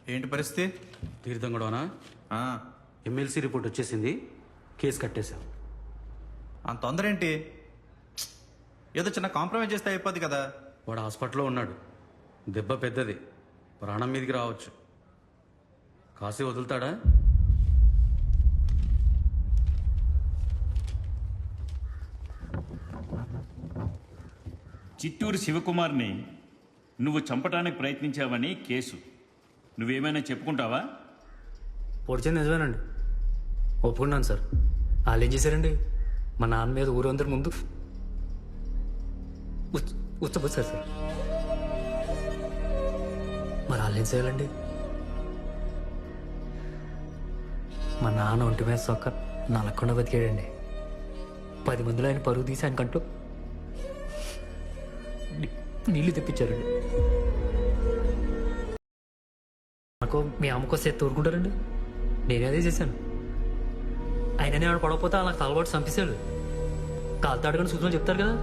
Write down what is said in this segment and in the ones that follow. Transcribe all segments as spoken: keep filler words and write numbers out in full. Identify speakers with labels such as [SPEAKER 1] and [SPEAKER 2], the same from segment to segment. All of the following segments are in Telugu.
[SPEAKER 1] ఏంటి పరిస్థితి?
[SPEAKER 2] తీర్థం గొడవనా? ఎమ్మెల్సీ రిపోర్ట్ వచ్చేసింది, కేసు కట్టేశాం.
[SPEAKER 1] అంత తొందర ఏంటి? ఏదో చిన్న కాంప్రమైజ్ చేస్తే అయిపోద్ది కదా.
[SPEAKER 2] వాడు హాస్పిటల్లో ఉన్నాడు, దెబ్బ పెద్దది, ప్రాణం మీదకి రావచ్చు. కాసి వదులుతాడా?
[SPEAKER 3] చిత్తూరు శివకుమార్ని నువ్వు చంపడానికి ప్రయత్నించావని కేసు. నువ్వేమైనా చెప్పుకుంటావా?
[SPEAKER 4] పొడిచింది నిజమేనండి, ఒప్పుకున్నాను సార్. వాళ్ళు ఏం చేశారండి, మా నాన్న మీద ఊరందరి ముందు ఉచ్చబోసారు సార్. మరి వాళ్ళు ఏం చేయాలండి? మా నాన్న ఒంటి మీద సొక్క నలగకుండా బతికాడండి. పది మందిలో ఆయన పరుగు తీసి ఆయన కంటూ నీళ్లు తెప్పించారండి. నాకు మీ అమ్మకు వస్తే తోరుకుంటారండి. నేనే అదే చేశాను. ఆయన నేను పడకపోతే నాకు తలబాటు చంపేశాడు. కాలుతో అడగని సూచనలు చెప్తారు కదా.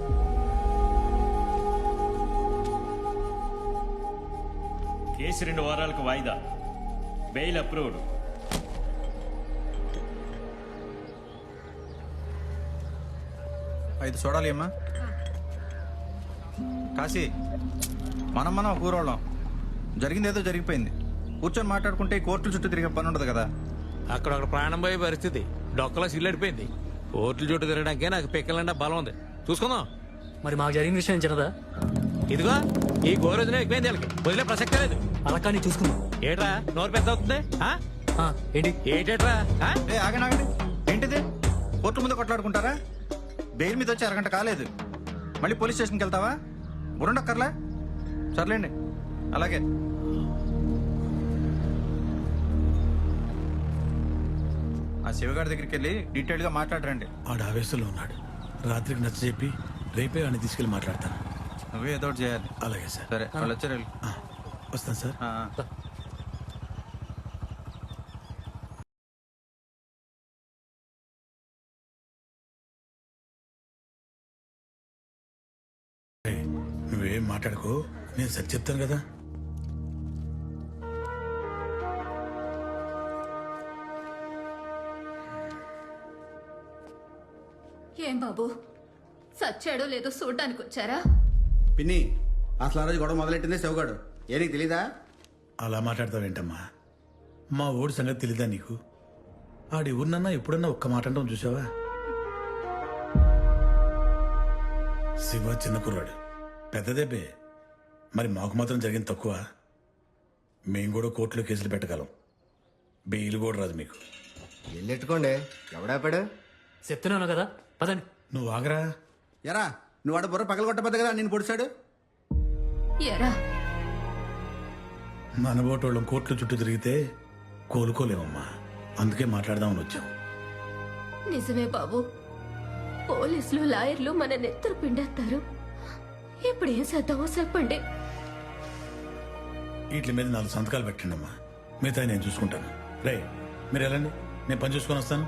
[SPEAKER 3] కేసు రెండు వారాలకు వాయిదా. Bail approved.
[SPEAKER 1] ఐదు చూడాలి అమ్మా. కాశీ, మనం మనం ఒక ఊరోళ్ళం. జరిగింది ఏదో జరిగిపోయింది. కూర్చొని మాట్లాడుకుంటే ఈ కోర్టుల చుట్టూ తిరిగే పని ఉండదు కదా.
[SPEAKER 5] అక్కడ ఒక ప్రాణం పోయే పరిస్థితి, డొక్కలా సిల్లడిపోయింది. కోర్టుల చుట్టూ తిరగడానికే నాకు పిక్కలంటే బలం ఉంది. చూసుకుందాం.
[SPEAKER 4] మరి మాకు జరిగిన విషయం చిన్నదా?
[SPEAKER 5] ఇదిగో ఈ గోరోజునే ఎక్కువైంది, వాళ్ళకి వదిలే ప్రసక్తే లేదు.
[SPEAKER 4] అలా కానీ చూసుకుందాం.
[SPEAKER 5] ఏట్రా నోరు పెద్ద అవుతుంది?
[SPEAKER 4] ఏంటి
[SPEAKER 5] ఏటేట్రా?
[SPEAKER 1] ఏ ఆగండి ఆగండి, ఏంటిది? కోర్టు ముందు కొట్లాడుకుంటారా? బెయిల్ మీద వచ్చి అరగంట కాలేదు, మళ్ళీ పోలీస్ స్టేషన్కి వెళ్తావా? బురుండక్కర్లే. సర్లేండి, అలాగే. ఆ శివగారి దగ్గరికి వెళ్ళి డీటెయిల్ గా మాట్లాడరండి.
[SPEAKER 6] ఆడు ఆవేశంలో ఉన్నాడు. రాత్రికి నచ్చ చెప్పి రేపే వాడిని తీసుకెళ్ళి మాట్లాడతాను.
[SPEAKER 1] నువ్వే ఏదో ఒకటి చేయాలి.
[SPEAKER 6] అలాగే సార్.
[SPEAKER 1] సరే, వాళ్ళు వచ్చారు.
[SPEAKER 6] వస్తాను సార్. నువ్వేం మాట్లాడుకో, నేను సరి చెప్తాను కదా.
[SPEAKER 7] ఏం బాబు, సచ్చాడో లేదో చూడ్డానికి వచ్చారా?
[SPEAKER 8] పిన్ని, అసలు ఆ రోజు గొడవ మొదలెట్టిందే శివగాడు. ఏ నీకు తెలీదా?
[SPEAKER 6] అలా మాట్లాడతావేంటమ్మా? మా ఊడి సంగతి తెలీదా నీకు? ఆడి ఊరినన్నా ఎప్పుడన్నా ఒక్క మాట అంటాం చూసావా? శివ చిన్న కుర్రాడు, పెద్దదేపే. మరి మాకు మాత్రం జరిగింది తక్కువ. మేము కూడా కోర్టులో కేసులు పెట్టగలం. బెయిల్ కూడా రాదు మీకు.
[SPEAKER 8] ఎల్లెట్టుకోండి, ఎవడాపాడు?
[SPEAKER 4] చెప్తున్నాను కదా, పదండి.
[SPEAKER 6] నువ్వు ఆగరా.
[SPEAKER 8] ఎరా, నువ్వు ఆడ బుర్ర పగలగొట్టబద్దు కదా నేను పొడిచాడు.
[SPEAKER 7] ఎరా,
[SPEAKER 6] మన బోటోళ్ళం కోర్టుల చుట్టూ తిరిగితే కోలుకోలేమమ్మా. అందుకే మాట్లాడదామని వచ్చాం.
[SPEAKER 7] నిజమే బాబు, పోలీసులు లాయర్లు మన నెత్తరు పిండేస్తారు. ఇప్పుడు ఏం చేద్దామో చెప్పండి.
[SPEAKER 6] వీటి మీద నాలుగు సంతకాలు పెట్టండి అమ్మా, మిగతా నేను చూసుకుంటాను. రే, మీరు వెళ్ళండి, నేను పని చూసుకొని వస్తాను.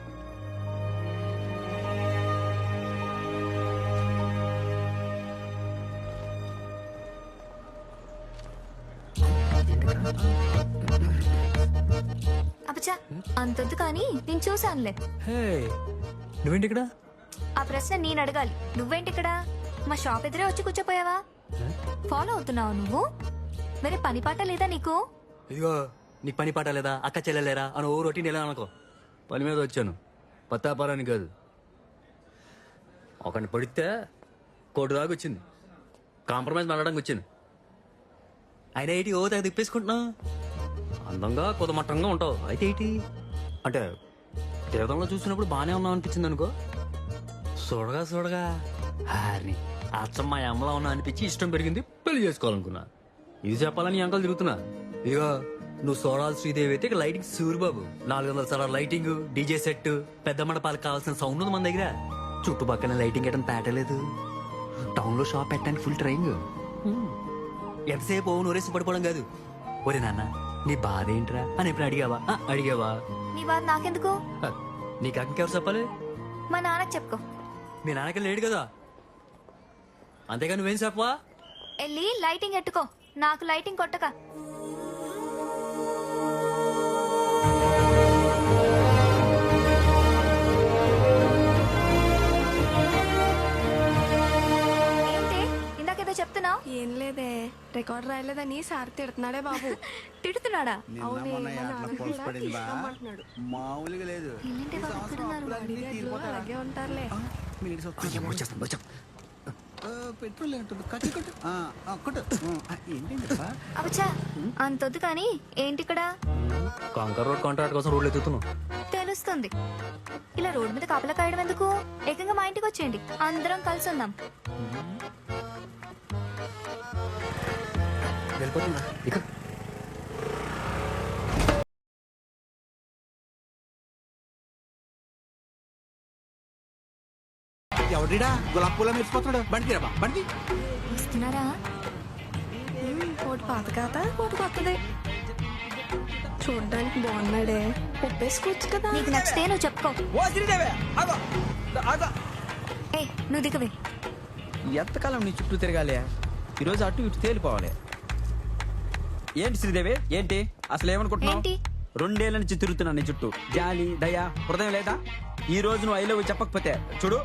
[SPEAKER 9] అబ్బా, అంతొద్దు కానీ నేను చూసానులే.
[SPEAKER 4] నువ్వేంటి ఇక్కడ?
[SPEAKER 9] ఆ ప్రశ్న నేను అడగాలి, నువ్వేంటి ఇక్కడ? మా షాప్ ఎదురే వచ్చి కూర్చోపోయావా? ఫాలో అవుతున్నావు నువ్వు? మరి పని పాట లేదా నీకు?
[SPEAKER 4] ఇదిగో, నీకు పని పాట లేదా, అక్క చెల్లెలేరా అని ఓ రొటీన్ ఎలా అనుకో. పని మీద వచ్చాను, పత్తాపారాని కాదు. ఒకరిని పడితే కోటి దాకా వచ్చింది, కాంప్రమైజ్ మాట్లాడడానికి వచ్చింది. అయినా ఏంటి ఓ తెగ తిప్పేసుకుంటున్నావు? అందంగా కుదమట్టంగా ఉంటావు, అయితే ఏంటి అంటే తీర్థంలో చూసినప్పుడు బాగానే ఉన్నావు అనిపించింది అనుకో. చూడగా చూడగా హారిని అచ్చం మా అమ్మలా ఉన్నా అనిపించి ఇష్టం పెరిగింది, పెళ్లి చేసుకోవాలనుకున్నా. ఇది చెప్పాలని అంకలు తిరుగుతున్నా. ఇదిగో, నువ్వు సోడాల్ శ్రీదేవి అయితే ఇక లైటింగ్ సూరిబాబు. నాలుగు వందల సార్లు లైటింగ్, డీజే సెట్, పెద్ద మండపాలకు కావాల్సిన సౌండ్ ఉంది మన దగ్గర. చుట్టుపక్కల లైటింగ్ వేయడం పేటలేదు. టౌన్ లో షాప్ పెట్టడానికి ఫుల్ ట్రైంగ్. ఎంతసేపు ఓ నోరేసి పడిపోవడం కాదు. ఒరే నాన్న, నీ బాధ ఏంట్రా అని ఎప్పుడు అడిగావా? అడిగావా?
[SPEAKER 9] నీ బాధ నాకెందుకు?
[SPEAKER 4] నీకు ఇంకెవరు చెప్పాలి?
[SPEAKER 9] మా నాన్నకి చెప్పుకో.
[SPEAKER 4] మీ నాన్నకి లేడు కదా, అంతేగా నువ్వేం చెప్పవా?
[SPEAKER 9] వెళ్ళి లైటింగ్ ఎట్టుకో, నాకు లైటింగ్ కొట్టక. చెప్తున్నావు?
[SPEAKER 10] ఏం లేదే, రికార్డ్ రాయలేదని సార్ తిడుతున్నాడే బాబు.
[SPEAKER 9] తిడుతున్నాడా?
[SPEAKER 8] నిన్న మొన్న అట్లా పొలసు పడింది బా మామూలుగా లేదు
[SPEAKER 9] ఏంటి
[SPEAKER 8] ఈ
[SPEAKER 9] బాబు
[SPEAKER 8] సంవత్సరం
[SPEAKER 9] తిడుతున్నారు?
[SPEAKER 8] అప్పులన్నీ తీరిపోతారా?
[SPEAKER 10] అలాగే ఉంటారులే.
[SPEAKER 8] ఆ, మీరు సొత్తు. ఆ, పెట్రోల్ ఏంటుంది కట్టు కట్టు ఆ, ఆ, కొట్టు ఆ, ఏంటండి బా?
[SPEAKER 9] అవచ్చా అంతొద్దు కానీ ఏంటి ఇక్కడ?
[SPEAKER 4] కాంకర్ రోడ్ కాంట్రాక్ట్ కోసం రోడ్లు ఎత్తుతున్నావు.
[SPEAKER 9] తెలుస్తుంది. ఇలా రోడ్ మీద కాపలా కాయడం ఎందుకు? ఏకంగా మా ఇంటికి వచ్చేయండి, అందరం కలిసి ఉందాం.
[SPEAKER 4] వెళ్ళిపోతున్నా ఇక.
[SPEAKER 8] ఎవడిడా గులాబ్ పూల మెరిసిపోతున్నాడు బండి తీరబా బండి
[SPEAKER 9] వస్తున్నారా?
[SPEAKER 10] ఒకటి పాత కాత ఒకటి కొత్తది. చూడ్డానికి బాగున్నాడే, ఒప్పేసుకోవచ్చు కదా.
[SPEAKER 9] నీకు నచ్చితే నువ్వు చెప్పుకో.
[SPEAKER 8] ఓ శ్రీదేవి ఆగో ఆగో
[SPEAKER 9] ఏ నువ్వు దిగవే.
[SPEAKER 11] ఎంతకాలం నీ చుట్టూ తిరగాలి? ఈరోజు అటు ఇటు తేలిపోవాలి. ఏంటి శ్రీదేవి, ఏంటి అసలు ఏమనుకుంటున్నావు?
[SPEAKER 9] ఏంటి?
[SPEAKER 11] రెండేళ్ల నుంచి తిరుగుతున్నా నీ చుట్టూ. జాలి దయ హృదయం లేదా? ఈ రోజు నువ్వు ఐ లవ్ యూ చెప్పకపోతే చూడు,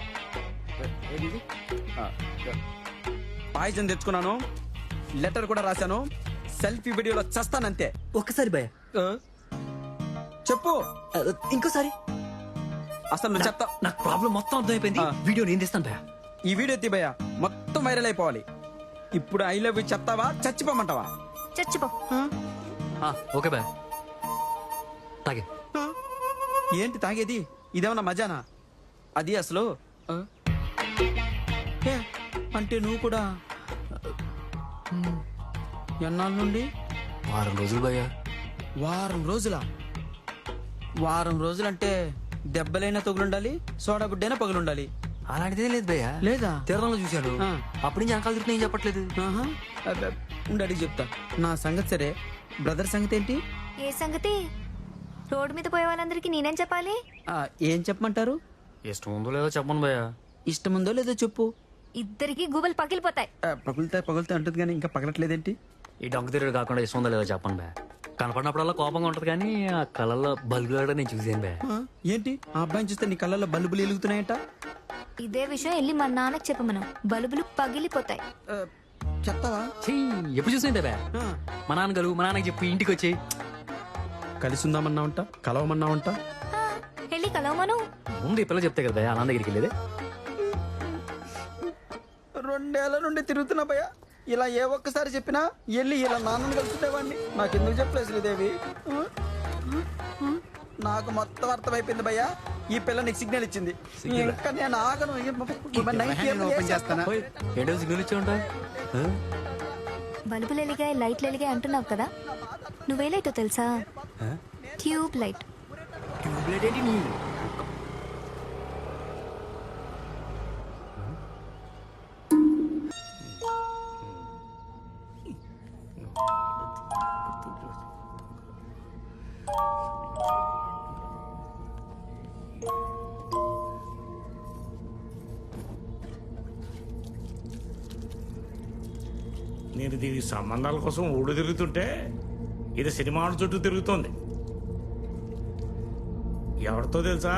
[SPEAKER 11] పాయిజన్ తెచ్చుకున్నాను, లెటర్ కూడా రాశాను, సెల్ఫీ వీడియోలో చస్తానంతే.
[SPEAKER 4] ఒక్కసారి భయ,
[SPEAKER 11] ఆ? చెప్పు
[SPEAKER 4] ఇంకోసారి.
[SPEAKER 11] అసలు నువ్వు చెప్తా.
[SPEAKER 4] నాకు ప్రాబ్లం మొత్తం అర్థమైపోయింది.
[SPEAKER 11] ఆ.
[SPEAKER 4] వీడియో నేను తీస్తాను భయ.
[SPEAKER 11] ఈ వీడియో తీ భయ్యా, మొత్తం వైరల్ అయిపోవాలి. ఇప్పుడు ఐ లవ్ యూ చెప్తావా చచ్చిపోమంటావా?
[SPEAKER 9] చచ్చిపో.
[SPEAKER 4] ఆ, ఓకే భయ, తాగే.
[SPEAKER 11] ఏంటి తాగేది? ఇదేమన్నా మజానా? అది అసలు ఆ? ఏ, అంటే నువ్వు కూడా ఎన్నాళ్ళ నుండి?
[SPEAKER 4] వారం రోజులు భయ.
[SPEAKER 11] వారం రోజులా? వారం రోజులంటే దెబ్బలైనా తగులుండాలి, సోడా బుడ్డైనా పగులుండాలి.
[SPEAKER 4] అలాంటిదే లేదు భయ.
[SPEAKER 11] లేదా?
[SPEAKER 4] తీర్థంలో చూశాను.
[SPEAKER 11] ఆ.
[SPEAKER 4] అప్పటి నుంచి వెనకాల తిరుగుతున్నా, ఏం చెప్పట్లేదు.
[SPEAKER 11] ఆహా. అబ్బే, ఉండు అడిగి చెప్తా. నా సంగతి సరే, బ్రదర్ సంగతి ఏంటి?
[SPEAKER 9] ఏ సంగతి? రోడ్డు మీద పోయే వాళ్ళందరికీ నేనేం చెప్పాలి?
[SPEAKER 11] ఆ, ఏం చెప్పమంటారు?
[SPEAKER 4] ఇష్టం ఉందో లేదో చెప్పను భయ.
[SPEAKER 11] ఇష్టం ఉందో లేదో చెప్పు.
[SPEAKER 9] ఇద్దరికి గుబలు పగిలిపోతాయి.
[SPEAKER 11] ఆ, పగులుతా పగులుతా అంటుంది కానీ ఇంకా పగలట్లేదేంటి?
[SPEAKER 4] ఈ డొంక తిరుగుడు కాకుండా ఇష్టం ఉందో లేదో చెప్పను భయ. కనపడినప్పుడల్లా కోపంగా ఉంటది కానీ ఆ కళ్ళల్లో బల్బులు నేను చూసాను భయ.
[SPEAKER 11] ఆ, ఏంటి ఆ అబ్బాయిని చూస్తే నీ కళ్ళల్లో బల్బులు వెలుగుతున్నాయంట?
[SPEAKER 9] ఇదే విషయం వెళ్ళి మా నాన్నకి చెప్పమను, బల్బులు పగిలిపోతాయి.
[SPEAKER 11] ఆ, చెప్తావా?
[SPEAKER 4] చెయ్యి ఎప్పుడు చూసిందే భయ.
[SPEAKER 11] ఆ,
[SPEAKER 4] మా నాన్న గలు మా నాన్నకి చెప్పి ఇంటికి వచ్చి
[SPEAKER 11] కలిసి ఉందామన్నావంట, కలవమన్నావంట.
[SPEAKER 9] ఆ, వెళ్ళి కలవమను.
[SPEAKER 4] ముందు ఈ పిల్ల చెప్తే కదా భయ అన్న దగ్గరికి వెళ్ళేది.
[SPEAKER 11] రెండేళ్ల నుండి తిరుగుతున్నా భయ్యా, ఇలా ఏ ఒక్కసారి చెప్పినా వెళ్ళి ఇలా నాన్నని కలుసుకునేవాడిని. నాకెందుకు చెప్పలేదు శ్రీదేవి? ఆ? నాకు మొత్తం అర్థమైపోయింది భయ్యా. ఈ పిల్ల నీకు సిగ్నల్ ఇచ్చింది, ఇంకా నేను ఆగను.
[SPEAKER 8] ఓపెన్ చేస్తానా?
[SPEAKER 4] ఏంటో సిగ్నల్ ఇచ్చి ఉంటా.
[SPEAKER 9] బల్బులు ఎలిగాయి, లైట్లు ఎలిగాయి అంటున్నావు కదా, నువ్వే లైటో తెలుసా? Tube light.
[SPEAKER 5] నేను దీని సంబంధాల కోసం ఊడు తిరుగుతుంటే ఇది సినిమాల చుట్టూ తిరుగుతోంది. ఎవరితో తెలుసా?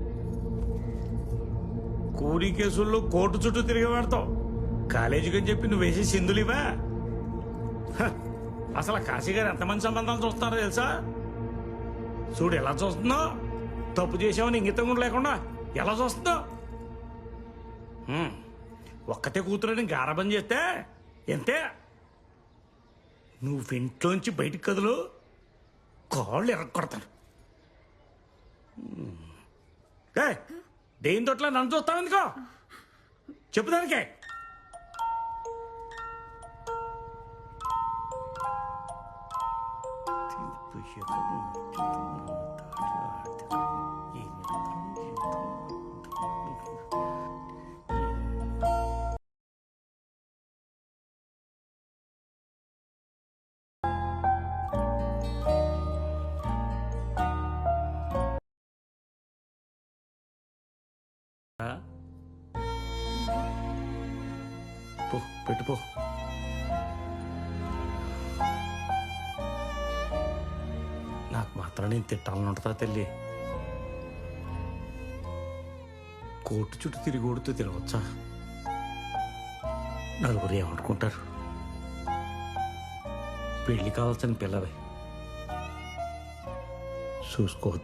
[SPEAKER 5] కూలీ కేసుల్లో కోర్టు చుట్టూ తిరిగి పెడతావు. కాలేజీకి అని చెప్పి నువ్వు వేసే సింధులివా? హ, అసలు కాశీ గారు ఎంతమంది సంబంధాలు చూస్తున్నారో తెలుసా? చూడు ఎలా చూస్తుందో, తప్పు చేసామని ఇంగితం కూడా లేకుండా ఎలా చూస్తుందో. హ్మ్, ఒక్కతే కూతురని గారాబం చేస్తే ఎంతే. నువ్వు ఇంట్లోంచి బయటికి కదులు, కాళ్ళు ఎరగొడతారు. దేని తోట్ల నన్ను చూస్తావు ఎందుకో చెప్పు దానికే. పో పెట్టుపో. నాకు మాత్రం నేను తిట్టాలని ఉంటుందా తల్లి? కోర్టు చుట్టూ తిరిగి కొడుతూ తిరగచ్చా? నలుగురు ఏమనుకుంటారు? పెళ్లి కావాల్సిన పిల్లవి చూసుకోవద్దు.